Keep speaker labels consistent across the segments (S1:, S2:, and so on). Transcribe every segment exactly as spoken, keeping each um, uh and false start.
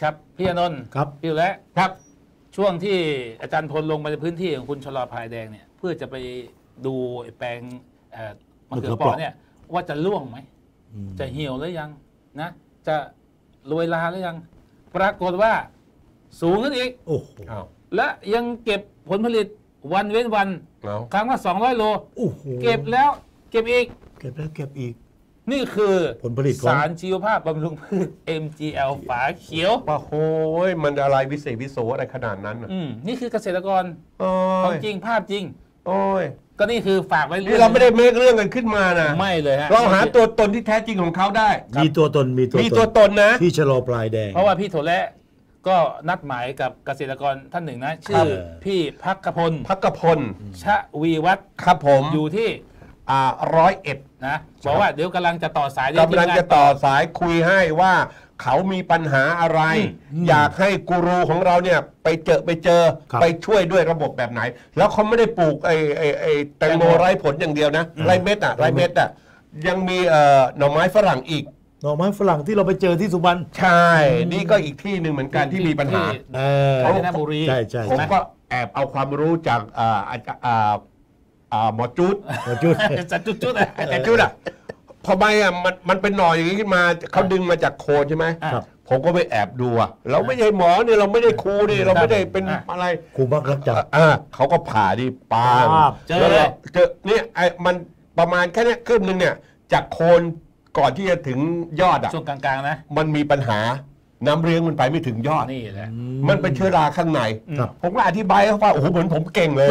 S1: ครับพี่อนนท์
S2: ครับ
S1: พี่และครับช่วงที่อาจารย์พลลงไปในพื้นที่ของคุณชลอพายแดงเนี่ยเพื่อจะไปดูแปลงมะเขือเปราะเนี่ยว่าจะร่วงไหมจะเหี่ยวหรือยังนะจะโรยลาหรือยังปรากฏว่าสูงขึ้นอีกโอ้โหและยังเก็บผลผลิตวันเว้นวันครั้งละสองร้อยโลเก็บแล้วเก็บอีก
S2: เก็บแล้วเก็บอีก
S1: นี่คือ
S2: ผลผลิต
S1: สารชีวภาพบำรุงพืช เอ็ม จี แอล ฝาเขียว
S3: โอ้โหมันอะไรวิเศษวิโสอะไรขนาดนั้น
S1: อืมนี่คือเกษตรกรของจริงภาพจริง
S3: โอ้ย
S1: ก็นี่คือฝากไว้
S3: นี่เราไม่ได้เมคเรื่องกันขึ้นมานะ
S1: ไม่เลยฮะ
S3: เราหาตัวตนที่แท้จริงของเขาได้
S2: มีตัวตนมี
S3: ตัวมีตัวตนนะ
S2: พี่ชะลอปลายแดง
S1: เพราะว่าพี่โถและก็นัดหมายกับเกษตรกรท่านหนึ่งนะชื่อพี่พักกพล
S3: พักกพล
S1: ชะวีวัฒน์
S3: ครับผม
S1: อยู่ที่
S3: อ่าร้อยเอ็ด
S1: นะบอกว่าเดี๋ยวกำลังจะต่อสาย
S3: กำลังจะต่อสายคุยให้ว่าเขามีปัญหาอะไรอยากให้กูรูของเราเนี่ยไปเจอไปเจอไปช่วยด้วยระบบแบบไหนแล้วเขาไม่ได้ปลูกไอ้ไอ้ไอ้แตงโมไร้ผลอย่างเดียวนะไร้เม็ดอ่ะไร้เม็ดอ่ะยังมีเอ่อหน่อไม้ฝรั่งอีก
S2: หน่อไม้ฝรั่งที่เราไปเจอที่สุพรรณ
S3: ใช่นี่ก็อีกที่หนึ่งเหมือนกันที่มีปัญหา
S1: เขาในบุรี
S2: ใช่ใช่
S3: ผมก็แอบเอาความรู้จากอ่าอ่าอ่าหมอจุด
S2: หมอจุด
S1: จัดจุดจุด
S3: แต่จุดอ่ะพอใบอ่ะมันมันเป็นหน่ออย่างนี้ขึ้นมาเขาดึงมาจากโคนใช่ไหมผมก็ไปแอบดูอ่ะเราไม่ใช่หมอเนี่ยเราไม่ได้ครูนี่เราไม่ได้เป็นอะไร
S2: ครูบักรักจับ
S3: อ่าเขาก็ผ่าดิปา
S1: เจอเลย
S3: เจอเนี่ยไอ้มันประมาณแค่นี้ครึ่งนึงเนี่ยจากโคนก่อนที่จะถึงยอดอ่ะ
S1: ช่วงกลางๆนะ
S3: มันมีปัญหาน้ำเลี้ยงมันไปไม่ถึงยอด
S1: นี่แหละ
S3: มันเป็นเชื้อราข้างในผมก็อธิบายเขาว่าโอ้โหเหมือนผมเก่งเลย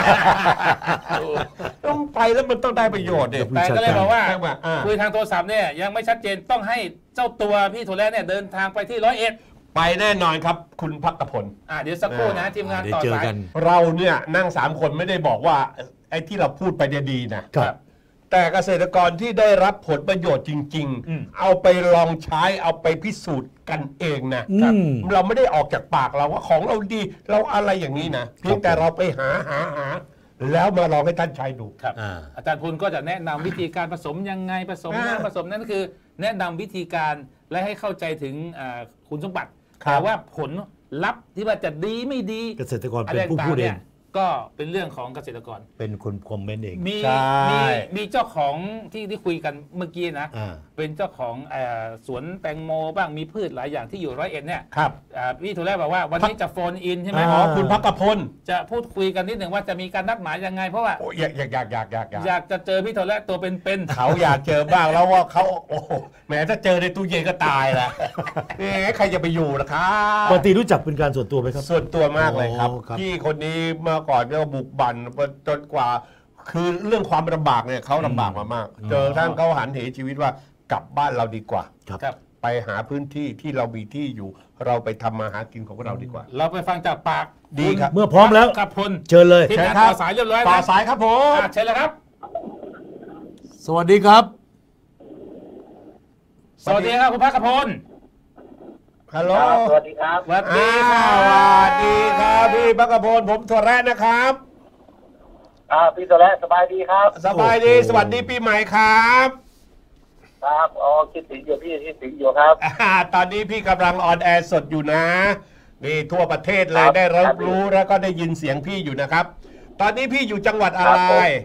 S3: ต้องไปแล้วมันต้องได้ประโยชน์เนี่ย
S1: แต่ก็เลยบอกว่าคุยทางโทรศัพท์เนี่ยยังไม่ชัดเจนต้องให้เจ้าตัวพี่โถและเนี่ยเดินทางไปที่ร้อยเอ็ด
S3: ไปแน่นอนครับคุณพักกพล
S1: อ่าเดี๋ยวสักครู่นะทีมงานต่อสาย
S3: เราเนี่ยนั่งสามคนไม่ได้บอกว่าไอ้ที่เราพูดไปเนี่ยดีนะครับแต่เกษตรกรที่ได้รับผลประโยชน์จริงๆเอาไปลองใช้เอาไปพิสูจน์กันเองนะเราไม่ได้ออกจากปากเราว่าของเราดีเราอะไรอย่างนี้นะเพียงแต่เราไปหาหาหาแล้วมาลองให้ท่านใช้ดู
S1: ครับอาจารย์พลก็จะแนะนำวิธีการผสมยังไงผสมน้ำผสมนั่นคือแนะนำวิธีการและให้เข้าใจถึงคุณสมบัติแต่ว่าผลลัพธ์ที่ว่าจะดีไม่ดี
S2: เกษตรกรเป็นผู้พูดเอง
S1: ก็เป็นเรื่องของเกษตรกร
S2: เป็นคนคอมเมนต์เอง
S1: มีมีมีเจ้าของที่ที่คุยกันเมื่อกี้นะเป็นเจ้าของสวนแตงโมบ้างมีพืชหลายอย่างที่อยู่ร้อยเอ็ดเนี่ย
S3: ครับ
S1: พี่ถูกแรกบอกว่าวันนี้จะโฟนอินใช่ไหม
S3: อ๋อคุณพักกพล
S1: จะพูดคุยกันนิดหนึ่งว่าจะมีการนัดหมายยังไงเพราะว่า
S3: อยากอยากอยากอยากอยาก
S1: อยากจะเจอพี่ถูกแรกตัวเป็น
S3: ๆเขาอยากเจอบ้างแล้วว่าเขาโอ้แหมถ้าเจอในตู้เย็นก็ตายละนี่ใครจะไปอยู่ล่ะครับ
S2: ปกติรู้จักเป็นการส่วนตัวไหมครับ
S3: ส่วนตัวมากเลยครับพี่คนนี้เมื่อก่อนเนี่ยบุกบั่นจนกว่าคือเรื่องความลำบากเนี่ยเขาลำบากมามากเจอทั้งเขาหันเหชีวิตว่ากลับบ้านเราดีกว่าไปหาพื้นที่ที่เรามีที่อยู่เราไปทำมาหากินของเราดีกว่า
S1: เราไปฟังจากปาก
S3: ดีครับ
S2: เมื่อพร้อมแล้ว
S1: กับพล
S2: เชิญเลย
S1: ที่ต่อสายเรียบร้อย
S3: ต่อสายครับผม
S1: เชิญเลยครับ
S2: สวัสดีครับ
S1: สวัสดีครับคุณพักกพล
S3: ฮัลโหล
S4: สวัสดีครับ
S1: สวัสดีครับ
S3: สวัสดีครับพี่พักกพลผมถั่วแระนะครับ
S4: อ่าพี่ตัวแรกสบายดีครับ
S3: สบายดีสวัสดีปีใหม่ครับ
S4: ครับอ๋อคิดถึงอยู่พี่คิดถึงอยู่ครับ
S3: ตอนนี้พี่กำลังออนแอร์สดอยู่นะนี่ทั่วประเทศเลยได้รับรู้แล้วก็ได้ยินเสียงพี่อยู่นะครับตอนนี้พี่อยู่จังหวัดอะไร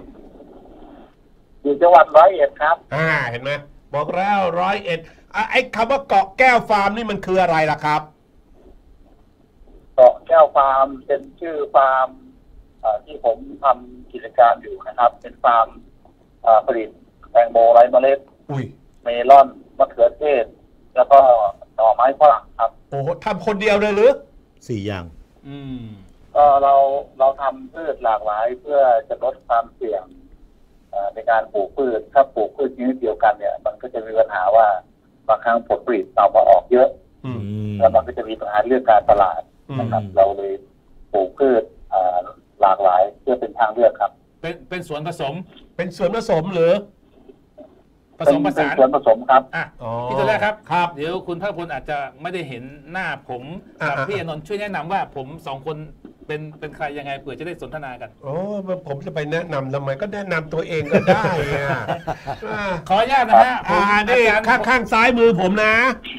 S4: อยู่จังหวัดร้อยเอ็ดครับ
S3: อ่าเห็นไหมบอกแล้วร้อยเอ็ดไอ้คำว่าเกาะแก้วฟาร์มนี่มันคืออะไรล่ะครับ
S4: เกาะแก้วฟาร์มเป็นชื่อฟาร์มที่ผมทำกิจการอยู่นะครับเป็นฟาร์มผลิตแตงโมไร้เมล็ดเมลอนมะเขือเทศแล้วก็หน่อไม้ฝรั่งครับ
S3: โอ้ทำคนเดียวเลยหรือ
S2: สี่อย่าง
S1: อืม
S4: ก็เราเราทำพืชหลากหลายเพื่อจะลดความเสี่ยงในการปลูกพืชถ้าปลูกพืชชนิดเดียวกันเนี่ยมันก็จะมีปัญหาว่าบางครั้งผลผลิตเรามาออกเยอะแล้วมันก็จะมีปัญหาเรื่องการตลาดนะครับเราเลยปลูกพืชหลากหลายเพื่อเป็นทางเลือกครับ
S1: เป็นเป็นสวนผสม
S3: เป็นสวนผสมหรือ
S1: ผสมผสาน
S4: สวนผสมครับ
S1: อ่ะพี่ตัวแรกครับครับเดี๋ยวคุณภาคพลอาจจะไม่ได้เห็นหน้าผมกับพี่อนนท์ช่วยแนะนำว่าผมสองคนเป็นเป็นใครยังไงเผื่อจะได้สนทนากัน
S3: โอ้ผมจะไปแนะนำทำไมก็แนะนำตัวเองก็ได้
S1: ขออนุญาตนะฮะ
S3: อ่านี่ข้างข้างซ้ายมือผมนะครับ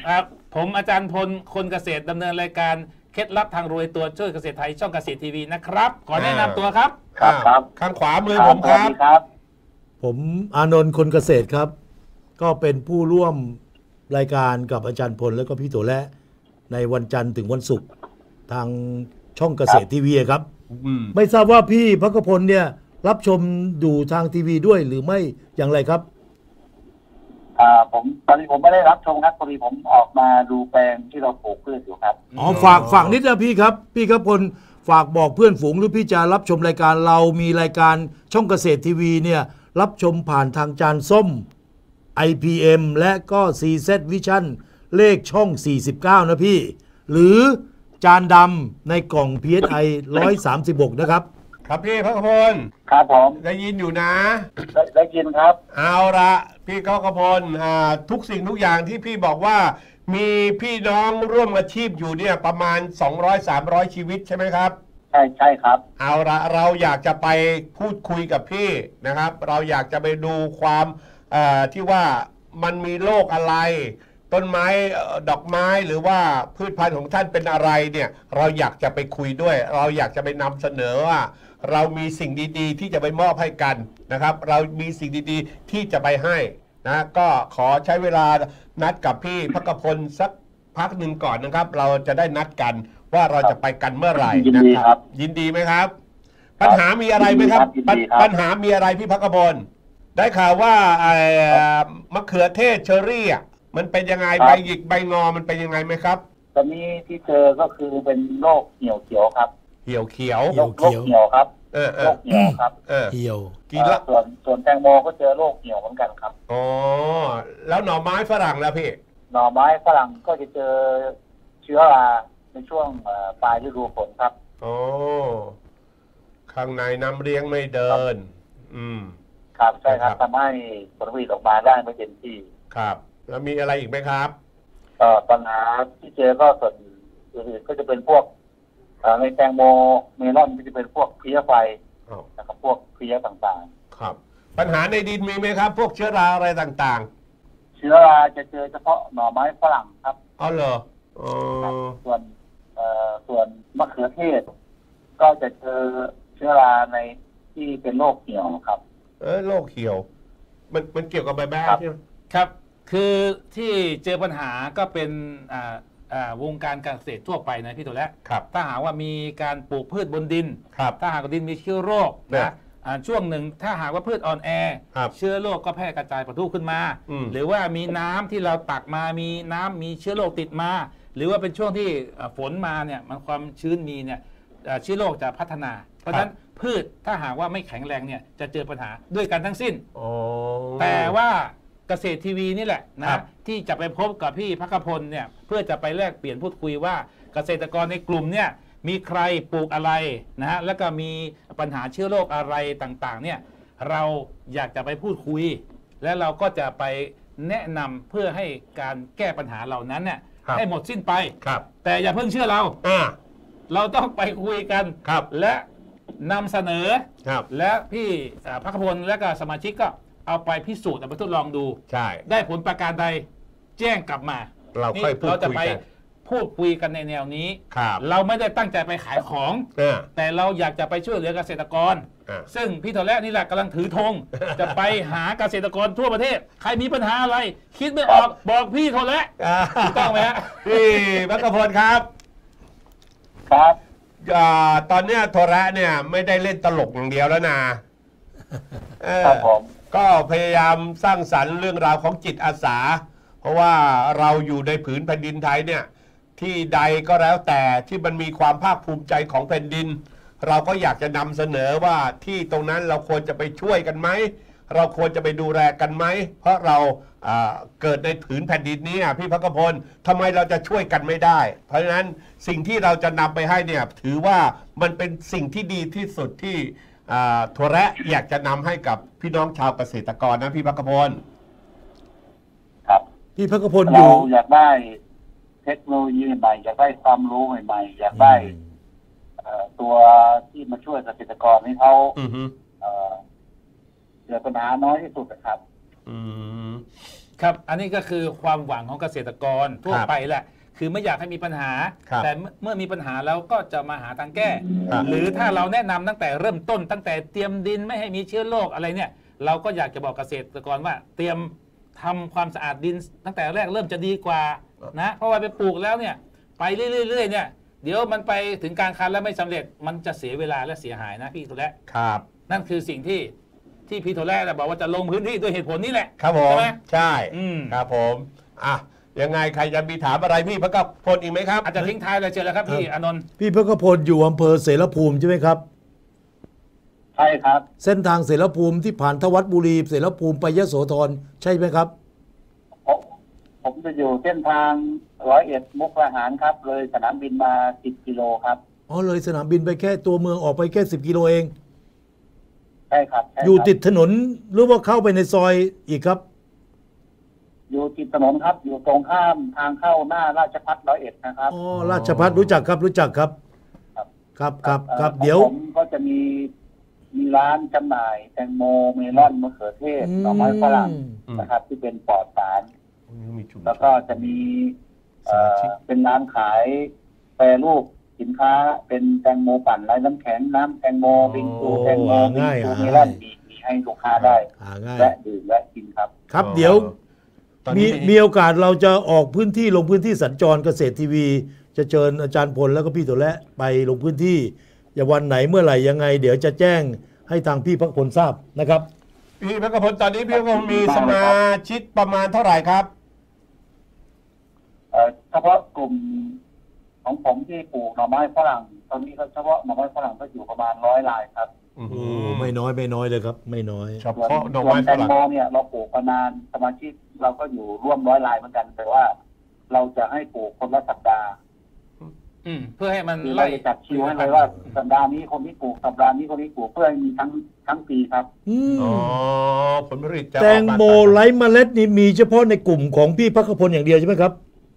S1: ผมอาจารย์พลคนเกษตรดำเนินรายการเคล็ดลับทางรวยตัวช่วยเกษตรไทยช่องเกษตรทีวีนะครับขอแนะนำตัวครับ
S4: ครับครับ
S3: ข้างขวามือผมครับ
S4: ครับ
S2: ผมอานนท์คนเกษตรครับ ก็เป็นผู้ร่วมรายการกับอาจารย์พลแล้วก็พี่โตและในวันจันทร์ถึงวันศุกร์ทางช่องเกษตรทีวีครับ
S3: อืม
S2: ไม่ทราบว่าพี่พักพลเนี่ยรับชมดูทางทีวีด้วยหรือไม่อย่างไรครับ
S4: อ่าผมตอนนี้ผมไม่ได้รับชมครับพอดีผมออกมาดูแปลงที่เราปลูกพืชอยู่ครับ
S2: อ๋อฝากฝากนิดนะพี่ครับ พี่ครับพลฝากบอกเพื่อนฝูงหรือพี่จะรับชมรายการเรามีรายการช่องเกษตรทีวีเนี่ยรับชมผ่านทางจานส้ม ไอ พี เอ็ม และก็ ซี แซด Vision เลขช่อง สี่สิบเก้า นะพี่ หรือจานดำในกล่อง พี เอส ไอ หนึ่งร้อยสามสิบหก นะครับ
S3: ครับพี่พักพล
S4: ครับผม
S3: ได้ยินอยู่นะ
S4: ได้ได้ยินครับ
S3: เอาละพี่ก้อกพลอ่าทุกสิ่งทุกอย่างที่พี่บอกว่า มีพี่น้องร่วมอาชีพอยู่เนี่ยประมาณ สองร้อยสามร้อย ชีวิตใช่ไหมครับ
S4: ใช่ใช่ครับ
S3: เอาละเราอยากจะไปพูดคุยกับพี่นะครับ เราอยากจะไปดูความเอ่อที่ว่ามันมีโรคอะไร ต้นไม้เอ่อดอกไม้หรือว่าพืชพันธุ์ของท่านเป็นอะไรเนี่ยเราอยากจะไปคุยด้วย เราอยากจะไปนำเสนอว่า เรามีสิ่งดีๆ ที่จะไปมอบให้กันนะครับ เรามีสิ่งดีๆ ที่จะไปให้นะก็ขอใช้เวลานัดกับพี่พักพลสักพักหนึ่งก่อนนะครับ เราจะได้นัดกันว่าเราจะไปกันเมื่อไหร่
S4: ยิน
S3: นะ
S4: ดี
S3: ค
S4: ครั
S3: รับ
S4: บ
S3: ยินดีไหมครับ ปัญหามีอะไรไหมครับ
S4: ยินดีครับ
S3: ปัญหามีอะไรพี่พักพลได้ข่าวว่าไอ้มะเขือเทศเชอรี่อ่ะมันเป็นยังไงใบหยิกใบงอมันเป็นยังไงไหมครับ
S4: ตอนนี้ที่เจอก็คือเป็นโรคเหี่ยวเขียวครับ
S3: เหี่ยวเขียว
S2: เหี่
S4: โร
S2: ยว
S4: ค
S2: เขี
S4: โร
S2: ยว
S4: คเหี่ยวครับ
S3: เออเอ
S4: โร
S3: อ
S4: คเหี่ยวครับ
S3: เออ
S2: เหี่ยว
S3: กินละ
S4: เอ่อส่วนส่วนแตงโมก็เจอโรคเหี่ยวเหมือนกันครับ
S3: อ๋อแล้วหน่อไม้ฝรั่งแล้วพี่
S4: หน่อไม้ฝรั่งก็จะเจอเชื้อราในช่วงเอ่อปลายฤดูฝนครับ
S3: อ๋อข้างในน้ำเลี้ยงไม่เดิน อืม
S4: ครับใช่ครับ
S3: ครับ
S4: ทำให้ผลผลิตออกมาได้ไม่เต็มที่
S3: ครับ แล้วมีอะไรอีกไหมครับ
S4: เอ่อปัญหาที่เจอก็ส่วนอื่นๆก็จะเป็นพวกเอ่อในแตงโมเมลอนก็จะเป็นพวกเพลี้ยไฟ
S3: อ๋อ
S4: นะครับพวกเพลี้ยต่าง
S3: ครับ ปัญหาในดินมีไหมครับ พวกเชื้อราอะไรต่าง
S4: ๆ เชื้อราจะเจอเฉพาะหน่อไม้ฝรั่งครับ
S3: ๆอ๋อเหรออ๋อ
S4: ส่วนเอ่อส่วนมะเขือเทศ ก็จะเจอเชื้อราในที่เป็นโรคเหี่ยวครับ
S3: เออโรคเหี่ยว มันมันเกี่ยวกับใบแบ้
S4: ครับ
S3: ใช่ไหม
S1: ครับ คือที่เจอปัญหาก็เป็นอ่าอ่าวงการการเกษตรทั่วไปนะพี่ตัวแล้ว
S3: ครับ
S1: ถ้าหากว่ามีการปลูกพืชบนดิน
S3: ครับ
S1: ถ้าหากว่าดินมีเชื้อโรค
S3: เนี่ย
S1: นะอ่าช่วงหนึ่งถ้าหากว่าพืชอ่อนแอ
S3: ครับ
S1: เชื้อโรคก็แพร่กระจายปะทุขึ้นมา
S3: อืม
S1: หรือว่ามีน้ำที่เราตักมามีน้ำมีเชื้อโรคติดมา หรือว่าเป็นช่วงที่อ่าฝนมาเนี่ยมันความชื้นมีเนี่ยอ่าเชื้อโรคจะพัฒนา เพราะฉะนั้นพืชถ้าหากว่าไม่แข็งแรงเนี่ยจะเจอปัญหาด้วยกันทั้งสิ้น
S3: อ๋อ
S1: แต่ว่าเกษตรทีวีนี่แหละ
S3: ครั
S1: นะ
S3: บ
S1: ที่จะไปพบกับพี่พักพลเนี่ยเพื่อจะไปแลกเปลี่ยนพูดคุยว่าเกษตรกรในกลุ่มเนี่ยมีใครปลูกอะไรนะฮะแล้วก็มีปัญหาเชื้อโรคอะไรต่างๆเนี่ยเราอยากจะไปพูดคุย และเราก็จะไปแนะนำเพื่อให้การแก้ปัญหาเหล่านั้นเนี่ย
S3: ครับ
S1: ให้หมดสิ้นไป
S3: ครับ
S1: แต่อย่าเพิ่งเชื่อเรา
S3: อ่า
S1: เราต้องไปคุยกัน
S3: ครับ
S1: และนำเสนอ
S3: ครับ
S1: และพี่อ่าพักพลและก็สมาชิกก็เอาไปพิสูจน์เอาไปทดลองดู
S3: ใช่
S1: ได้ผลประการใดแจ้งกลับมา
S3: เราค่อยพูด
S1: เราจะ
S3: คุย
S1: ไป
S3: กัน
S1: พูดคุยกันในแนวนี้
S3: ครับ
S1: เราไม่ได้ตั้งใจไปขายของ
S3: อ่า
S1: แต่เราอยากจะไปช่วยเหลือเกษตรกร
S3: อ่า
S1: ซึ่งพี่ทอแรกนี่แหละกำลังถือธง จะไปหาเกษตรกรทั่วประเทศ ใครมีปัญหาอะไร คิดไม่ออกบอกพี่ทอแรก
S3: อ่า
S1: ถูกต้องไหมฮะ
S3: พี่พักพลครับ
S4: ครับ
S3: อ่าตอนเนี้ยโทระเนี่ยไม่ได้เล่นตลกอย่างเดียวแล้วนะเออ
S4: ครับผม
S3: ก็พยายามสร้างสรรค์เรื่องราวของจิตอาสา เพราะว่าเราอยู่ในผืนแผ่นดินไทยเนี่ยที่ใดก็แล้วแต่ที่มันมีความภาคภูมิใจของแผ่นดิน เราก็อยากจะนำเสนอว่าที่ตรงนั้นเราควรจะไปช่วยกันไหมเราควรจะไปดูแลกันไหมเพราะเราอ่าเกิดในผืนแผ่นดินนี้อ่ะพี่พักพลทำไมเราจะช่วยกันไม่ได้ เพราะฉะนั้นสิ่งที่เราจะนำไปให้เนี่ยถือว่ามันเป็นสิ่งที่ดีที่สุดที่อ่าถั่วแระอยากจะนำให้กับพี่น้องชาวเกษตรกรนะพี่พักพล
S4: ครับ
S2: พี่พักพลอ
S4: เรา
S2: ยู่
S4: อยากได้เทคโนโลยีใหม่อยากได้ความรู้ใหม่ๆอยากได้เอ่อตัวที่มาช่วยเกษตรกรให้เขา
S3: อือฮึ
S4: เอ่อเกิดปัญหาน้อยที่สุดนะครับ
S3: อืม
S1: ครับอันนี้ก็คือความหวังของเกษตรกรทั่วไปแหละคือไม่อยากให้มีปัญหาแต่เมื่อมีปัญหาแล้วก็จะมาหาทางแก้หรือถ้าเราแนะนำตั้งแต่เริ่มต้นตั้งแต่เตรียมดินไม่ให้มีเชื้อโรคอะไรเนี่ยเราก็อยากจะบอกเกษตรกรว่าเตรียมทำความสะอาดดินตั้งแต่แรกเริ่มจะดีกว่านะเพราะว่าไปปลูกแล้วเนี่ยไปเรื่อยๆเนี่ยเดี๋ยวมันไปถึงกลางคันแล้วไม่สำเร็จมันจะเสียเวลาและเสียหายนะพี่โทแระ
S3: ครับ
S1: นั่นคือสิ่งที่ที่พี่โทแระบอกว่าจะลงพื้นที่ด้วยเหตุผลนี้แหละ
S3: ครับผม
S1: ใช่ไหม
S3: ใช่
S1: อืม
S3: ครับผมอ่ะยังไงใครจะมีถามอะไรพี่พระกพลอีกไหมครับ
S1: อาจจะทิ้งท้ายเลยเชิญแล้วครับพี่อานนท์
S2: พี่พระกพลอยู่อำเภอเสรภูมิใช่ไหมครับ
S4: ใช่ครับ
S2: เส้นทางเสรภูมิที่ผ่านทวัดบุรีเสรภูมิไปยโสธรใช่ไหมครับ
S4: ผมผมจะอยู่เส้นทางร้อยเอ็ดมุกดาหารครับเลยสนามบินมาสิบกิโลครับ
S2: อ๋อเลยสนามบินไปแค่ตัวเมืองออกไปแค่สิบกิโลเอง
S4: ใช่ครับ
S2: อยู่ติดถนนหรือว่าเข้าไปในซอยอีกครับ
S4: อยู่ติดถนนครับอยู่ตรงข้ามทางเข้าหน้าราชภัฏร้อยเอ็ดนะครับ
S2: อ๋อราชภัฏรู้จักครับรู้จักครับครับครับครับเดี๋ยว
S4: ผมก็จะมีมีร้านจำหน่ายแตงโมเมลอนมะเขือเทศหน่อไม้ฝรั่งนะครับที่เป็นปลอดสารแล้วก็จะมีเป็นร้านขายแปรรูปสินค้าเป็นแตงโมปั่นไร้น้ำแข็งน้ำแตงโมบิงซูแตงโมบิงซูเมลอนมีมีให้ลูกค้าได้และดื่มและกินครับ
S2: ครับเดี๋ยวมีมีโอกาสเราจะออกพื้นที่ลงพื้นที่สัญจรเกษตรทีวีจะเชิญอาจารย์พลแล้วก็พี่โทแระไปลงพื้นที่อย่าวันไหนเมื่อไหร่ยังไงเดี๋ยวจะแจ้งให้ทางพี่พระพลทราบนะครับ
S3: พี่พระพลตอนนี้พี่พระพลมีสมาชิกประมาณเท่าไหร่ครับ
S4: เฉพาะกลุ่มของผมที่ปลูกหน่อไม้ฝรั่งตอนนี้ก็เฉพาะหน่อไม้ฝรั่งก็อยู่ประมาณร้อยรายครับ
S2: โอ้ไม่น้อยไม่น้อยเลยครับไม่น้อย
S3: เฉพาะหน่อไม้ฝรั่ง
S4: แตงโมเนี่ยเราปลูกประมาณสมาชิกเราก็อยู่ร่วมร้อยรายเหมือนกันแต่ว่าเราจะให้ปลูกคนละสัปดาห์
S1: อืมเพื่อให้มัน
S4: ไล่จัดคิวให้เลยว่าสัปดาห์นี้คนที่ปลูกสัปดาห์นี้คนที่ปลูกเพื่อให้มีทั้งทั้งปีครับ
S3: อ๋อผลผลิต
S2: แตงโมไร้เมล็ดนี่มีเฉพาะในกลุ่มของพี่พระพลอย่างเดียวใช่ไหมครับ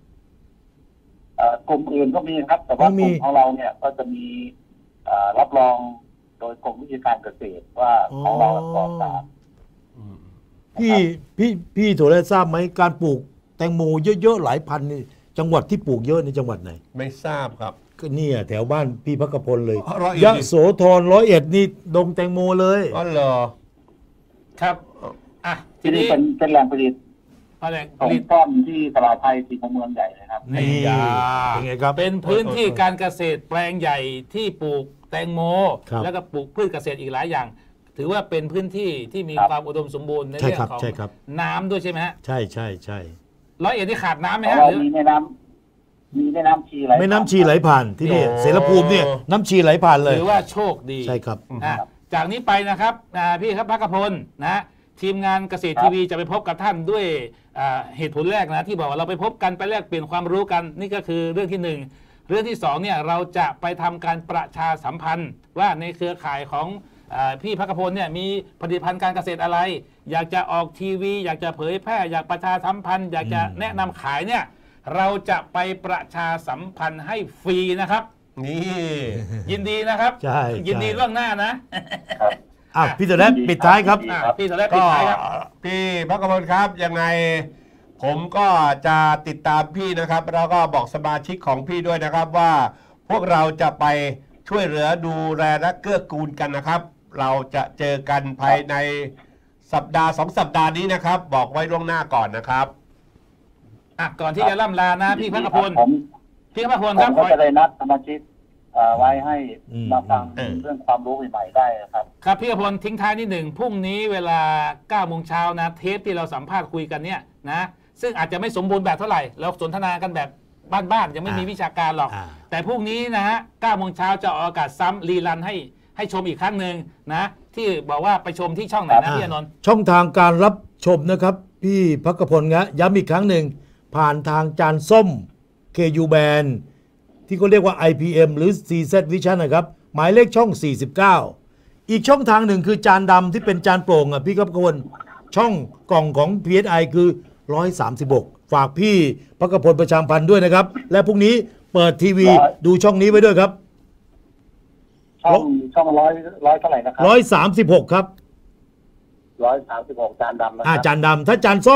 S4: กลุ่มอื่นก็มีครับแต่ว่ากลุ่มของเราเนี่ยก็จะมีรับรองโดยกรมวิชาการเกษตรว่าของเราปลอดสาร
S2: พี่พี่พี่โทแระทราบไหมการปลูกแตงโมเยอะๆหลายพันนี่จังหวัดที่ปลูกเยอะในจังหวัดไหน
S3: ไม่ทราบครับ
S2: ก็เนี่ยแถวบ้านพี่พระพลเลยยะโสธรร้อยเอ็ดนี่ดงแตงโมเลย
S3: อ๋อเหรอ
S1: ครับอ่ะ
S4: ทีนี้เป็นเป็นแหล่งผลิตผลิตป้อมที่ตลาดไทยสี่ของเมืองใหญ่เลยครับ
S1: นี่เป็นไงครับเป็นพื้นที่การเกษตรแปลงใหญ่ที่ปลูกแตงโมแล้วก็ปลูกพืชเกษตรอีกหลายอย่างถือว่าเป็นพื้นที่ที่มีความอุดมสมบูรณ์ในเรื่องของน้ำด้วยใช่ไหมฮะ
S2: ใช่ใช่ใช่
S1: ร้อยเอ็ดที่ขาดน้ำไหมฮะ
S4: มีแม่น้ำมีแม่น้ำชีไหล
S2: แม่น้ำชีไหลผ่านที่นี่เสรภูมิเนี่ยน้ำชีไหลผ่านเลย
S1: ถือว่าโชคดี
S2: ใช่ครับ
S1: จากนี้ไปนะครับพี่ครับพระกพลนะทีมงานเกษตรทีวีจะไปพบกับท่านด้วยเหตุผลแรกนะที่บอกว่าเราไปพบกันไปแลกเปลี่ยนความรู้กันนี่ก็คือเรื่องที่หนึ่งเรื่องที่สองเนี่ยเราจะไปทำการประชาสัมพันธ์ว่าในเครือข่ายของพี่พระกพลเนี่ยมีผลิตภัณฑ์การเกษตรอะไรอยากจะออกทีวีอยากจะเผยแพร่อยากประชาสัมพันธ์อยากจะแนะนำขายเนี่ยเราจะไปประชาสัมพันธ์ให้ฟรีนะครับ
S3: นี่
S1: ยินดีนะครับ
S2: ใช่
S1: ยินดีล่วงหน้านะ
S2: อ่ะพี่โทแระปิดท้ายครับ
S1: พี่โทแระปิดท้ายครับ
S3: พี่พระกพลครับยังไงผมก็จะติดตามพี่นะครับแล้วก็บอกสมาชิกของพี่ด้วยนะครับว่าพวกเราจะไปช่วยเหลือดูแลและเกื้อกูลกันนะครับเราจะเจอกันภายในสัปดาห์สองสัปดาห์นี้นะครับบอกไว้ล่วงหน้าก่อนนะครับ
S1: อ่ะก่อนที่จะล่ำลานะพี่พระกพลพี่พระกพลครับ
S4: ผมก็จะได้นัดสมาชิกไว้ให้มาฟังเรื่องความรู้ใหม่ๆได้ครับ
S1: ครับพี่พระกพลทิ้งท้ายนิดหนึ่งพรุ่งนี้เวลาเก้าโมงเช้านะเทปที่เราสัมภาษณ์คุยกันเนี่ยนะซึ่งอาจจะไม่สมบูรณ์แบบเท่าไหร่เราสนทนากันแบบบ้านๆยังไม่มีวิชาการหรอกแต่พรุ่งนี้นะฮะเก้าโมงเช้าจะออกอากาศซ้ำรีรันให้ให้ชมอีกครั้งหนึ่งนะที่บอกว่าไปชมที่ช่องไหนนะพี่อนนท์
S2: ช่องทางการรับชมนะครับพี่พระกพลนะย้ำอีกครั้งหนึ่งผ่านทางจานส้ม เค ยู Band ที่เขาเรียกว่า ไอ พี เอ็ม หรือ ซี แซด Vision นะครับหมายเลขช่องสี่สิบเก้าอีกช่องทางหนึ่งคือจานดำที่เป็นจานโปร่งอ่ะพี่พระกพลช่องกล่องของ พี เอส ไอ คือหนึ่งร้อยสามสิบหกฝากพี่พระกพลประชาพันธ์ด้วยนะครับและพรุ่งนี้เปิดทีวีดูช่องนี้ไว้ด้วยครับ
S4: ช่องช่องร้อยร้อยเท่าไหร่นะครับ
S2: ร้อยสามสิบหกครับ
S4: ร้อยสามสิบหกจานดำนะ
S2: อ่าจานดำถ้าจานส้ม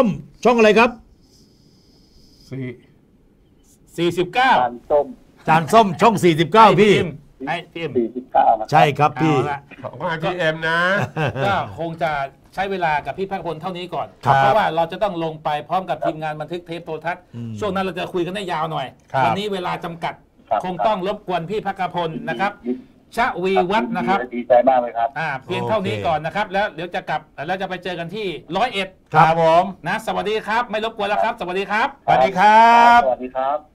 S2: ช่องอะไรครับ
S3: สี่
S1: สี่สิบเก้า
S4: การส้ม
S2: จานส้มช่องสี่สิบเก้าพี่
S1: ไอพีเอ็ม
S4: สี่สิบเก้านะ
S2: ใช่ครับพี่
S1: เอาละ
S3: ของไอพีเอ็มนะ
S1: ก็คงจะใช้เวลากับพี่ภาคพลเท่านี้ก่อน
S2: ครับ
S1: เพราะว่าเราจะต้องลงไปพร้อมกับทีมงานบันทึกเทปโทรทัศน์ช่วงนั้นเราจะคุยกันได้ยาวหน่อย
S3: ครับ
S1: วันี้เวลาจำกัด คงต้องรบกวนพี่ภาคพลนะครับ ชวีวัฒน์นะครับ
S4: ดีใจมากเลยครับ
S1: อ่าเพียงเท่านี้ก่อนนะครับ แล้วเดี๋ยวจะกลับแล้วจะไปเจอกันที่ร้อยเอ็ด
S3: ครับผม
S1: นะสวัสดีครับ ไม่รบกวนแล้วครับ สวัสดีครับ
S3: สวัสดีครับ
S4: สวัสดีครับ